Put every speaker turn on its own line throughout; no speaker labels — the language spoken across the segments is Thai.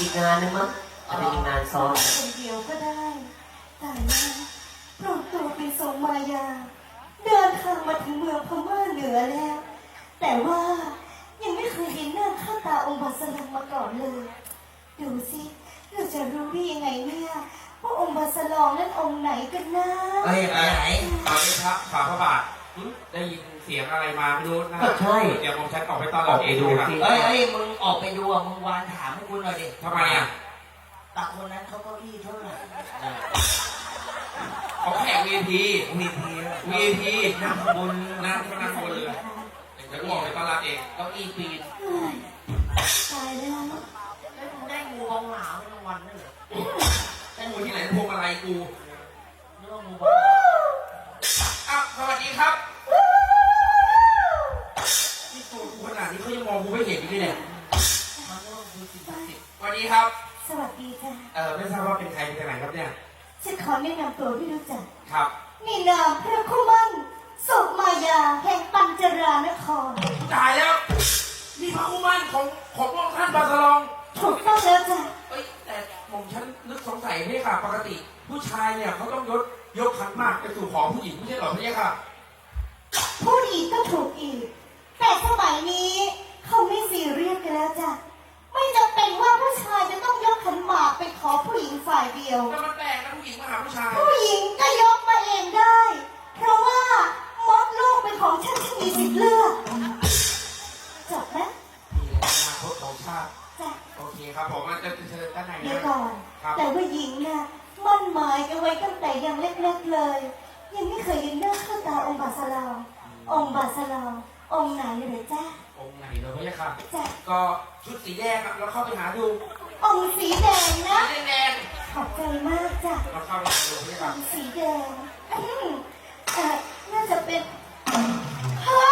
อีกงานนึงมั้งอาจจะมีงานซ้อน
คนเดียวก็ได้แต่นะปลอมตัวเป็นทรงมายาเดินทางมาถึงเมืองพม่าเหนือแล้ว แต่ว่ายังไม่เคยเห็นหน้าค่าตาองค์บาสลังมาก่อนเลยดูสิเราจะรู้ได้ยังไงเนี่ยว่าองค์บาสลองนั้นองค์ไหนกันนะ
ไปไหนตอนนี้พระบาทได้ยินเสียงอะไรมาไม่รู้นะ
ใช่
เดี๋ยวผมฉันออกไปต้อนรับเองดูสิ
มึงออกไปดูมึงวานถามให้กูหน่อยดิ
ทำไมอ่ะ
ตาคนนั้นเขาเก้าอี้เท่าไหร่
เขาแขก VIP นั่งบนเลยเดี๋ยวออกไปต้อนรับเอง
เก้าอี้ปีน
ตายแล้ว
แล้วมึงได้งูบองหลาวรางวัลด้วยเหรอ
ได้งูที่ไหนพวงอะไรกู
นึกว่างูบอง
สวัสดีครับนี่ตัวกูขนาดนี้เขายังมองกูไม่เห็นอยู่เนี่ย
มันก็คือสิ่งศักดิ์สิทธิ์
สวัสดีครับ
สวัสดีจ้ะ
ไม่ทราบว่าเป็นใครเป็นไหนครับเนี่ย
ฉันขอแนะนำตัวที่รู้จัก
ครับ
นี่นามพระคุมันสุมายาแห่งปัญจรานคร
ตายแล้วนี่พระอุมันของพระองค์ท่านบาสลอง
ถูกต้องแล้วจ้ะ
แต่ผมฉันนึกสงสัยนี่ค่ะปกติผู้ชายเนี่ยเขาต้องยกขันหมากไปสู่ขอผู้หญิงไม่ใช่หรอพี่ค่ะ
พูดอีกก็ถูกอีกแต่สมัยนี้เขาไม่ซีเรียสกันแล้วจ้ะไม่จำเป็นว่าผู้ชายจะต้องยกขันหมากไปขอผู้หญิงฝ่ายเดียว
แต่มันแปลกนะผู้หญิงมาหาผู้ชาย
ผู้หญิงก็ยกมาเองได้เพราะว่ามดลูกเป็นของฉันที่มีสิทธิ์เลือกจบไหม
นี่แหละอนาคตของชาติ
จ้ะ
โอเคครับผมมันจะเชิญด้านใน
เดี๋ยวก่อนแต่ว่าหญิงน่ะมั่นหมายกันไว้ตั้งแต่ยังเล็กๆเลยยังไม่เคยเห็นหน้าค่าตาองค์บาสลาวองค์บาสลาวองค์ไหนเลยจ้ะ
องค์ไหนเลยพี่ค่ะ
จ้ะ
ก็ชุดสีแดงเราเข้าไปหาดู
องค์สีแดงนะ
สีแดง
ขอบใจมากจ้ะ
เราเข้าไปหาดูพี่ค่ะ
สีแดงน่าจะเป็นฮะ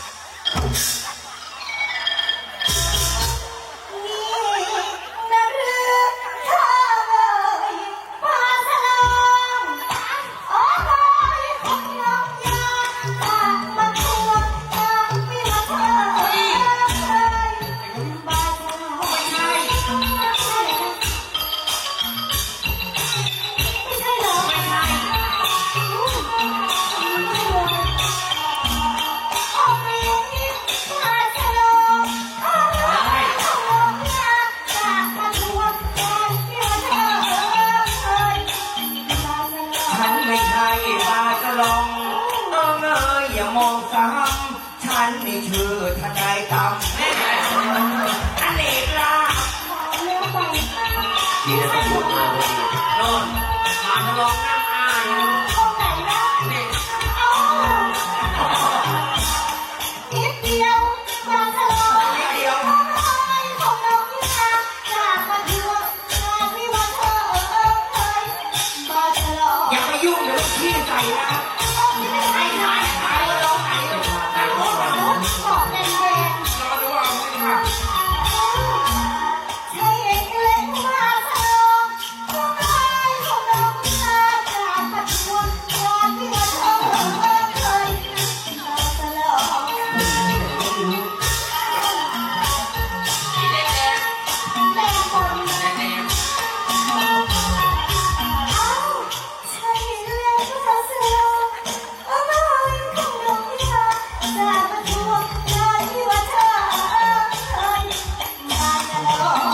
ฉันนี่ชื่อทนายตั้มอเนกลา
ดีนะต้องพูดมาเลย
โน่นมาทะลองน้ำอาย
องไหนนะนิดเดียวมาทะลอง
นิดเดียว
ของน้องที่รักจากมาเถื่อนงานวิวาเธอมาทะลอง
อย่าไปยุ่งเดี๋ยวพี่ใส่นะไอ้นายไอ้ร้องไหน
บอกแดง
เราดูว่าพี่ค่ะ
ใช่เองเล็กมาทะลองของน้องที่รักจากมาเถื่อนงานวิวาเธอมาทะลอง
สีแดง
แดงบน
แดง
ใช่เล็กมาทะลองของน้องที่รักจากมาเถื่อนงานวิวาเธอมาทะลอง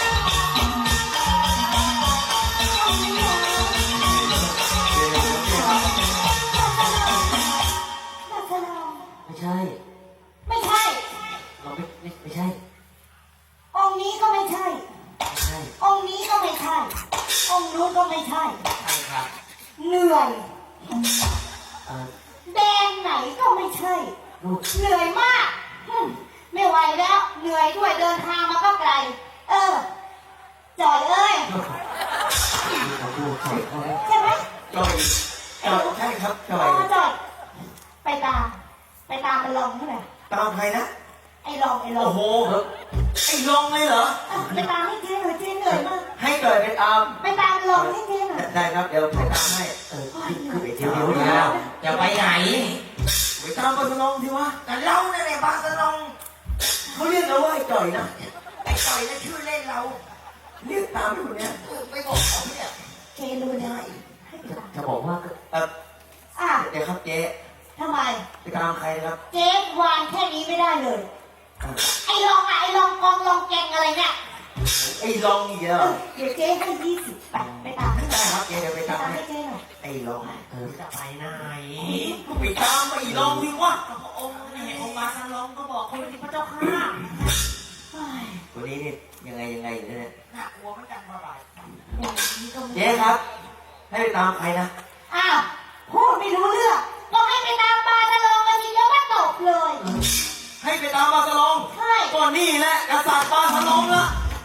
ไม่ใช่
ไม่ใช่
เราไม่ใช่
องค์นี้ก็ไม่ใช่
ไม่ใช่
องค์นี้ก็ไม่ใช่ องค์นู้นก็ไม่ใช่
ใช่ครับ
เหนื่อย
เอ่อ
แดงไหนก็ไม่ใช่
ลูก
เหนื่อยมากไม่ไหวแล้ว เหนื่อยด้วยเดินทางมาก็ไกล จ่อยเอ้ย
เราพูดใส่เขาแล้ว
ใช่ไหม
จอยใช่ครับจอย
จ่อยไปตามมันลองเท่าไหร่
ตามใครนะ
ไอ้ลอง
โอ้โหไอ้ลองเลยเหรอ
ไปตามให้เจ๊หน่อยเจ๊เหนื่อยมาก
ให้จอยไปตาม
ไปตามลองให้เจ๊หน่อย
ได้ครับเดี๋ยวไปตามให้ขึ้นไปเดี๋ยว
จะไปไหน
ไปตามบาสลองสิวะ
แต่เราเนี่ยบาสลอง
เขาเรียกเราว่าไอ้จอยนะ
ไอ้ต่อยนั่นชื่อเล่นเรา
เรียกตามไปคนเนี้ย
ไม่บอกเขาเนี่ย
เจรู้แล้วให้ไปตาม
จะบอกว่า
อ่ะ
เดี๋ยวครับเจ๊
ทำไม
ไปตามใครนะครับ
เจ๊วางแค่นี้ไม่ได้เลย ไอ้ลองอะไอ้ลองกองลองแกงอะไรเนี่ย
ไอ้ลองนี่เดียว
เดี๋ยวเจ๊ให้20ไปตามให้
ได้ครับเจ๊เดี๋ยวไป
ไป
ตาม
ตาม
ให้
ให้เจ๊หน่อย
ไอ้ลอง
จะไปไหน
ไปตามไอ้ลองดิวะ
พระองค์นี่องค์มาสลองก็บอกคนที่พระเจ้าข้า
เฮ้ย
คนนี้นี่ยังไงอยู่เนี่ย
น่ากลัวเหมือนกันมาบ่าย
อย่างนี้ก็ไม่
เจ๊ครับ ให้ไปตามใครนะ
อ้าวพูดไม่รู้เรื่องก็ให้ไปตามปลาทะลองกันทีเดียวก็จบเลย
ให้ไปตามบาสลอง
ใช่
ก่อนนี่แหละกษัตริย์บาสลองละ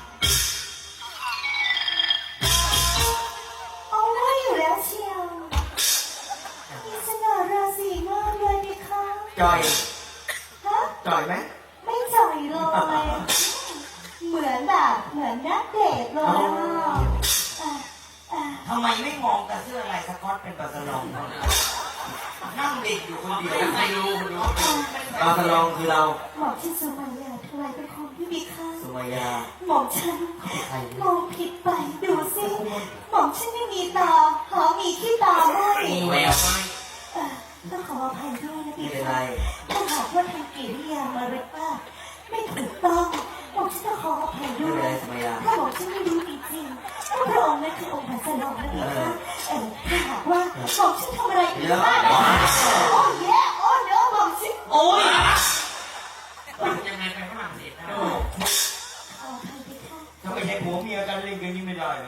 เอาไว้อยู่แล้วเชียวมีสง่าราศีมากเลยดิคะ
จ่อย
ฮะ
จ่อยไหม
ไม่จ่อยเลยเหมือนนักเดทเลยอ่ะอ่ะ
ทำไมไม่มองแต่เสื้อลายสก๊อตเป็นบาสลองนั่งเด็กอยู่คนเดียวไม่รู้
บาสลองคือเรา
หมอมฉันสุมายาทำไมเป็นคนที่มีค่า
สุมายา
หมอมฉันมองผิดไปดูสิหมอมฉันไม่มีตาหามีขี้ตาไม่
มีแววไหม
ต้องขออภัยด้วยนะ
ไม่
พี่
เป็น
คะ
ไร
ถ้าหากว่าทางกิริยามารยาทไม่ถูกต้องหมอมฉันต้องขออภัย
ไม่
ด้
เป็น
ว
ไร
ย
สุมายา
ถ้าหมอมฉันไม่รู้จริงๆว่าพระองค์นั้นคือองค์พระสนองนะพี่คะถ้าหากว่าหมอมฉันทำอะไรผิดพลาดโอ้ยโอ้เดี๋ยวหมอมฉัน
โอ้ย
ยังไงไปฝรั่งเศสได้
ขออภัยพี่คะ
ถ้าไม่ใช่ผัวเมียกันเล่นกันนี่ไม่ได้เลย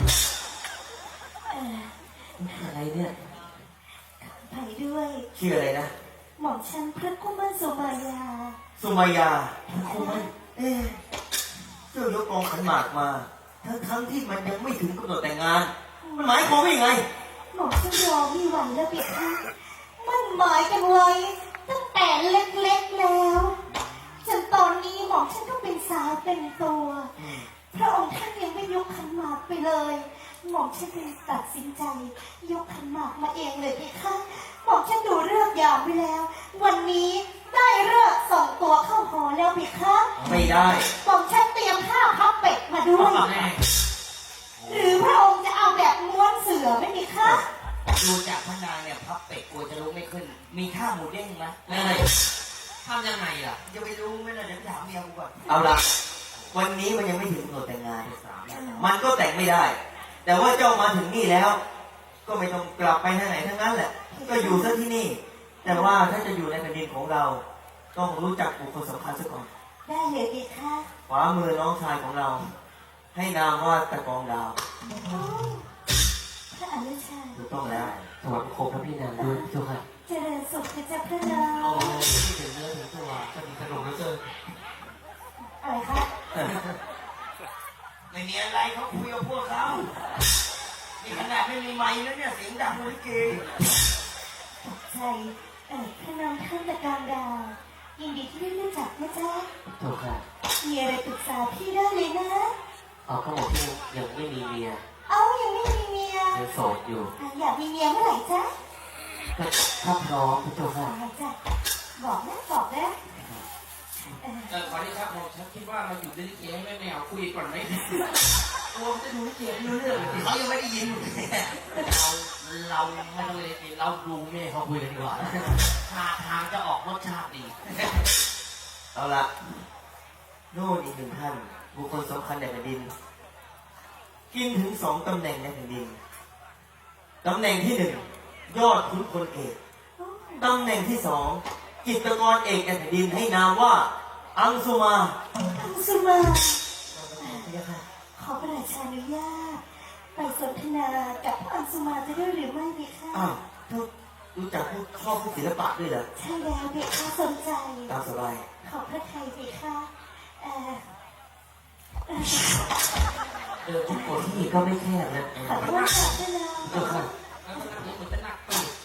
อะไรเนี่ย
ไปด้วย
ชื่ออะไรนะ
หม่อมฉันพระกุมารสุมายา
สุมายาเอ๊ะเจ้ายกกองขันหมากมา ทั้งที่มันยังไม่ถึงกำหนดแต่งงาน มันหมายความว่ายังไง
หม่อมฉันรอไม่ไหวแล้วพี่คะมันหมายกันไว้ตั้งแต่เล็กๆแล้วจนตอนนี้หม่อมฉันก็เป็นสาวเป็นตัว พระองค์ท่านยังไม่ยกขันหมากไปเลย หม่อมฉันเลยตัดสินใจ ยกขันหมากมาเองเลยพี่คะหม่อมฉันดูเรื่องยามไว้แล้ว วันนี้ได้เลิกส่งตัวเข้าหอแล้วพี่คะ
ไม่ได้
หม่อมฉันเตรียมข้าวพับเป็ดมาด้วย หรือพระองค์จะเอาแบบม้วนเสือไม่มีคะ
ดูจากพนางเนี่ยพับเป็ดกลัวจะลุกไม่ขึ้น มีท่าหมูเด้งไหมทำยังไงล่ะจะไปรู้ไหมล่ะเดี๋ยวถามเมียกูก่อน
เอาละวันนี้มันยังไม่ถึงกำหนดแต่งงาน มันก็แต่งไม่ได้ แต่ว่าเจ้ามาถึงนี่แล้ว ก็ไม่ต้องกลับไปทางไหนทั้งนั้นแหละ ก็อยู่ซะที่นี่ แต่ว่าถ้าจะอยู่ในแผ่นดินของเรา ต้องรู้จักบุคคลสำคัญซะก่อน
ได้เลยพี่คะ
ขวามือน้องชายของเรา ให้นามว่าตะกองดาว
พระอนุชา
ถูกต้องแล้วถวายโคมพระพี่นางด้วยเจ้าค่ะ
เจริญสุขนะจ๊ะพระนาง
โอ้ถึงเนื้อถึงตัวจะมีขนมแล้วเจอ
อะไรคะ
ไม่มีอะไรเขาคุยกับพวกเขานี่ขนาดไม่มีไมค์แล้วเนี่ยเสียงดังเหมือนลิเก
ใช่พระนางท่านตะการดาวยินดีที่ได้รู้จักนะจ๊ะ
ถูกค่ะ
มีอะไรปรึกษาพี่ได้เลยนะ
เอาเขาบอกที่ยังไม่มีเมีย
เอายังไม่มีเมีย
ยังโสดอยู่
อยากมีเมียเมื่อไหร่จ๊ะ
ก็ถ้าพร้อมเจ้าค่ะ
จ้ะบอกนะบอกนะ
ขอที่ครับผมฉันคิดว่าเราอยู่ในลิเกไม่เอาคุยก่อนไหมกลัวจะดูลิเกไม่รู้เรื่อง
เขายังไม่ได้ยินเราไม่ต้องเลยเราดูแม่เขาคุยกันดีกว่าท่าทางจะออกรสชาติดี
เอาละโน่นอีกหนึ่งท่าน บุคคลสำคัญในแผ่นดิน กินถึง2 ตำแหน่งในแผ่นดิน ตำแหน่งที่ 1 ยอดขุนพลเอก ตำแหน่งที่ 2 จิตรกรเอกในแผ่นดินให้นามว่า อังสุมา
อังสุมาขอพระราชาอนุญาตไปสนทนากับอังสุมาจะได้หรือไม่ดีคะ
อ้าวเธอรู้จักผู้ชอบผู้ศิลปะด้วยเหรอ
ใช่แล้วเด็กค่ะสนใจ
ตามสบาย
ขอพระไทยดีค่ะเออ
ทุกคนที่ก็ไม่แคบนะ
ขอโทษค่ะพระนาง
เจ้าค่ะ
แล้วมันเหมือนจะหนักตูด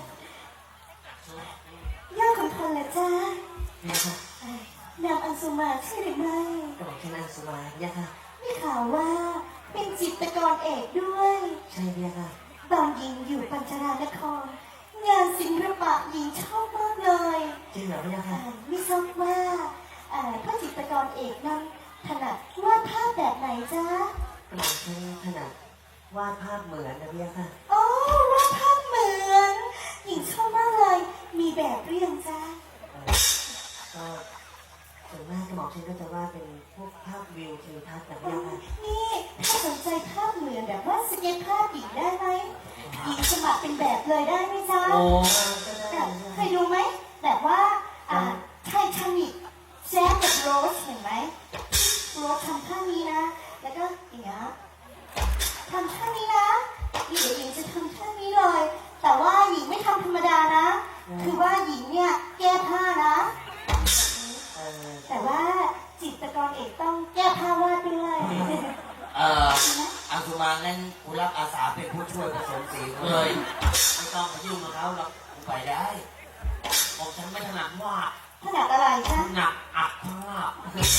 ยอดขุนพลละจ้า
เนี่ยค่ะ
นางอังสุมาใช่หรือไม่
กระบอกแค่อังสุมาเนี่ยค่ะ
ได้ข่าวว่าเป็นจิตรกรเอกด้วย
ใช่เนี่ยค่ะ
ตอนหญิงอยู่ปัญจารานคร งานศิลปะหญิงชอบมากเลย
จริงเหรอเนี่ยค่ะ
ไม่ทราบว่าพระจิตรกรเอกนั้นถนัดวาดภาพแบบไหนจ๊ะ
ก
หม่อมฉันถนัดวาดภาพเหมือนนะพี่ค่ะโอ้วาดภาพเหมือนหญิงชอบมากเลยมีแบบหรือยังจ๊ะก็ส่วนมากกระหม่อมฉันก็จะวาดเป็นพวกภาพวิวทิวทัศน์แบบนี้ค่ะนี่ถ้าสนใจภาพเหมือนแบบว่าสเก็ตภาพหญิงได้ไหมหญิงสมัครเป็นแบบเลยได้ไหมจ๊ะ
โอ้
เคยดูไหมแบบว่าไททานิคแจ็คกับโรสเห็นไหมโรสทำท่านี้นะ แล้วก็อย่างเงี้ยทำท่านี้นะเดี๋ยวหญิงจะทำท่านี้เลย แต่ว่าหญิงไม่ทำธรรมดานะ คือว่าหญิงเนี่ยแก้ผ้านะแต่ว่าจิตรกรเอกต้องแก้ผ้าวาดด้วย
อังสุมางั้นกูรับอาสาเป็นผู้ช่วยผสมสีเลยไม่ต้องมายุ่งกับเขาหรอกกูไปได้บอกฉันไม่ถนัดวาด
ถนัดอะไรคะ
ถนัดอัดภาพ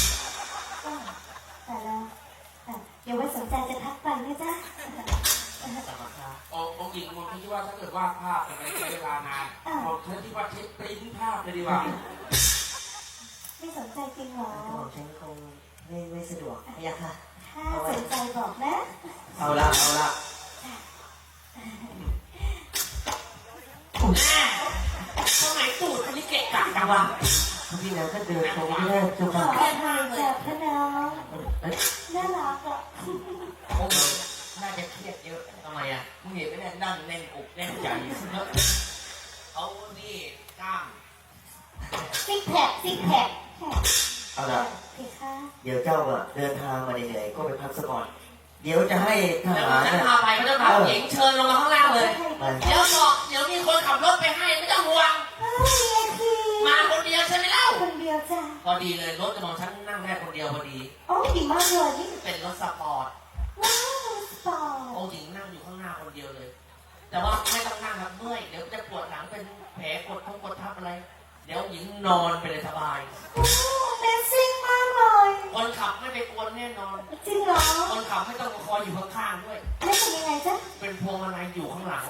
แต่แล้วเดี๋ยวไว้สนใจจะทักไปนะจ๊ะ
องค์หญิงมองคิดว่าถ้าเกิดวาดภาพมันใช้เวลานานมองคิดว่าใช้ปริ้นภาพเลยดีกว่า
ไม่สนใจจริงเหรอ
ผมฉันคงไม่สะดวกเนี่ยค่ะ
ถ้าสนใจบอกนะ
เอาละ
ทำไมตูดอันนี้เกะกะจังวะ
พี่แล้วก็เดินตรงนี้ได้จุ๊บ
ขอ
ค่ะ
อภัยจากพระน้องน่ารักอ่ะ
โอ้โหน่าจะเครียดเยอะทำไมอ่ะมึงเห็นไหมเนี่ยนั่งแน่นอกแน่นใจเขานี่กล้าม
ซิกแพค
เอาละ
เพคะ
เดี๋ยวเจ้าอะเดินทางมาเหนื่อยๆก็ไปพักสักก่อน เดี๋ยวจะให้ท
แล้ว
หาร
ฉัน
เนี่ย
พาไปก็ต้องพาหญิงเชิญลงมาข้างล่างเลย
ไป
เดี๋ยวมีคนขับรถไปให้ไม่ต้องห่วง
VIP
มาคนเดียวใช่ไหมเล่า
คนเดียวจ้ะ
พอดีเลยรถกระบอกฉันนั่งได้คนเดียวพอดี
โอ้ดีมากเลยนี่
เป็นรถสปอร์ต
ว้าวสปอร์ต
องค์หญิงนั่งอยู่ข้างหน้าคนเดียวเลย แต่ว่าไม่ต้องนั่งครับเมื่อยเดี๋ยวจะปวดหลังเป็นแผลกดทับอะไร เดี๋ยวหญิงนอนไปเลยสบาย
โอ้เนสซิ่งมากเลย
คนขับไม่ไปกวนแน่นอน
จริงเหรอ
คนขับไม่ต้องคอยอยู่ข้างๆด้วย
แล้วเป็นยังไงจ๊ะ
เป็นพวงมาลัยอยู่ข้างหลัง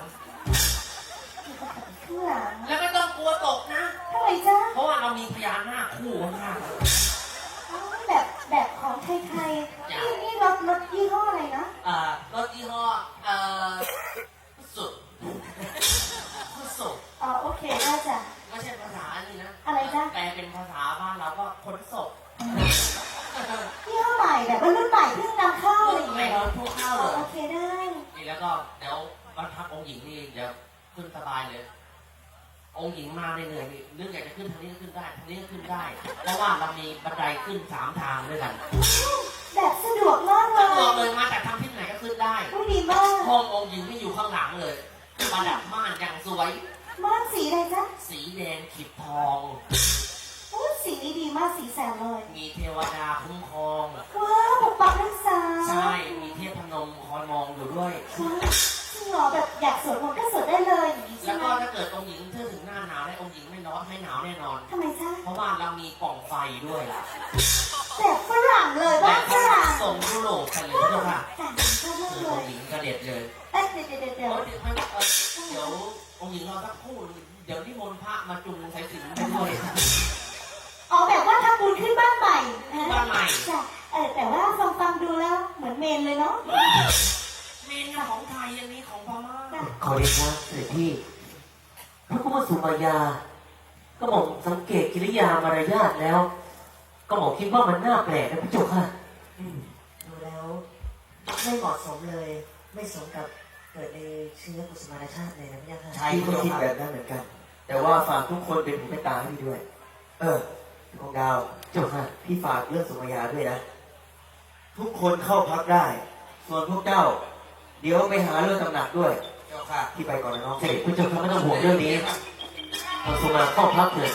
ข้างหลัง
แล้วไม่ต้องกลัวตกนะ
ทำไมจ๊ะ
เพราะว่าเรามีพญานาคคู่ข้าง
อ๋อแบบของไทยๆนี่รถยี่ห้ออะไรนะ
ๆรถยี่ห้อสุดสุด
อ๋อโอเคได้จ้ะ
ไม่ใช่ภาษาอันนี้นะ
อะไรจ๊ะ
แปลเป็นภาษาบ้านเราก็ขนศพ
ยี่ห้อใหม่แบบว่ารุ่นใหม่เพิ่งนำเข้าอะไรอย่าง
ไม่
เงี้ย
รถพวกเข้า
อ๋
เล
อย โอเคได้
นี่แล้วก็เดี๋ยววันพักองค์หญิงนี่เดี๋ยวขึ้นสบายเลย องค์หญิงมาเหนื่อยๆนี่เรื่องอยากจะขึ้นทางนี้ก็ขึ้นได้ทางนี้ก็ขึ้นได้ เพราะว่าเรามีบันไดขึ้น3 ทางด้วยกัน
แบบสะดวกมากเล
ถ้าบอก
ย
เลยมาจากทางทิศไหนก็ขึ้นได้
ผู้ดีมาก
ห้ององค์หญิงที่อยู่ข้างหลังเลยประดับม่านอย่างสวย
ม่านสีอะไรจ๊ะ
สีแดงขีดทอง
โอ้สีนี้ดีมากสีแสนเลย
มีเทวดาคุ้มครอง
ว้าวปกปักรักษา
ใช่ มีเทพพนมคอยมองอยู่ด้วย
ว้าวจริงเหรอแบบอยากสวดมนต์ก็สวดได้เลยอย่างนี้ใช่
แล้ว
ไหม
ก็ถ้าเกิดองค์หญิงเธอถึงหน้าหนาวแล้วองค์หญิงไม่ร้อนไม่หนาวแน่นอน
ทำไมจ๊ะ
เพราะว่าเรามีกล่องไฟด้วยล่ะ
แบบฝรั่งเลย
แบ
บ้า
บ
ฝรั่ง
ส่งยุโรปกันเลยเจ้าค่ะ
แต่ชอบมาก
คือ
เล
อง
ย
ค์หญิงกระเด็ดเลย
เอ้ยเดี๋ยว
เดี๋ยวองค์หญิงรอสักครู่เดี๋ยวนิมนต์พระมาจุงสายสิญจน์ไปด้วย
อ๋อแบบว่าทำบุญขึ้นบ้านใหม่นะ
บ้านใหม่
จ้ะแต่ว่าฟังดูแล้วเหมือนเมนเลยเนาะ
เมนของไทยอันนี้ของพม่า
จ้ะ
ขอเดชะเสด็จพี่พระกุมาสุมายา ก็บอกสังเกตกิริยามารยาทแล้ว ก็บอกคิดว่ามันน่าแปลกนะพี่จุกค่ะดูแล้วไม่เหมาะสมเลย ไม่สมกับเกิดในเชื้อกุสุมารชาติเลยนะพี่ค่ะ
ใช่
พี่ก็
เจ้า
คิด
ค่ะ
แบบนั้นเหมือนกัน แต่ว่าฝากทุกคนเป็นหูเป็นตาให้พี่ด้วย พี่ของดาว
จุกค่ะ
พี่ฝากเรื่องสุมายาด้วยนะ ทุกคนเข้าพักได้ ส่วนพวกเจ้า เดี๋ยวไปหาเรื่องตำหนักด้วย
เจ้าค่ะ
พี่ไปก่อนนะน้อง
เสด็จพี่จุกค่ะไม่ต้องห่วงเรื่องนี้เราสุมาเข้าพักเลย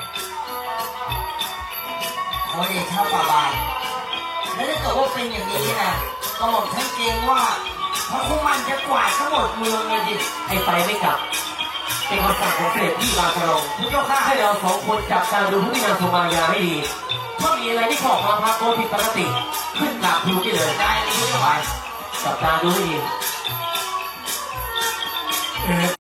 ขอเดชะฝ่าบาทแล้วถ้าเกิดว่าเป็นอย่างนี้นะก็บอกฉันเกรงว่าพระคุมันจะกวาดทั้งหมดเมืองเลยดิ
ไอ้ไปไม่กลับ เป็นคำสั่งของเสด็จพี่บาสลง
พระเจ้าค่ะ
ให้เราสองคนจับตาดูพฤติกรรมสุมายาให้ดี ถ้ามีอะไรที่ขอมาพักโกผิดปกติ ขึ้นกราบทูลได้เลย
ได้เลยพระเจ้า
ไป
ค่ะ
จับตาดูให้ดี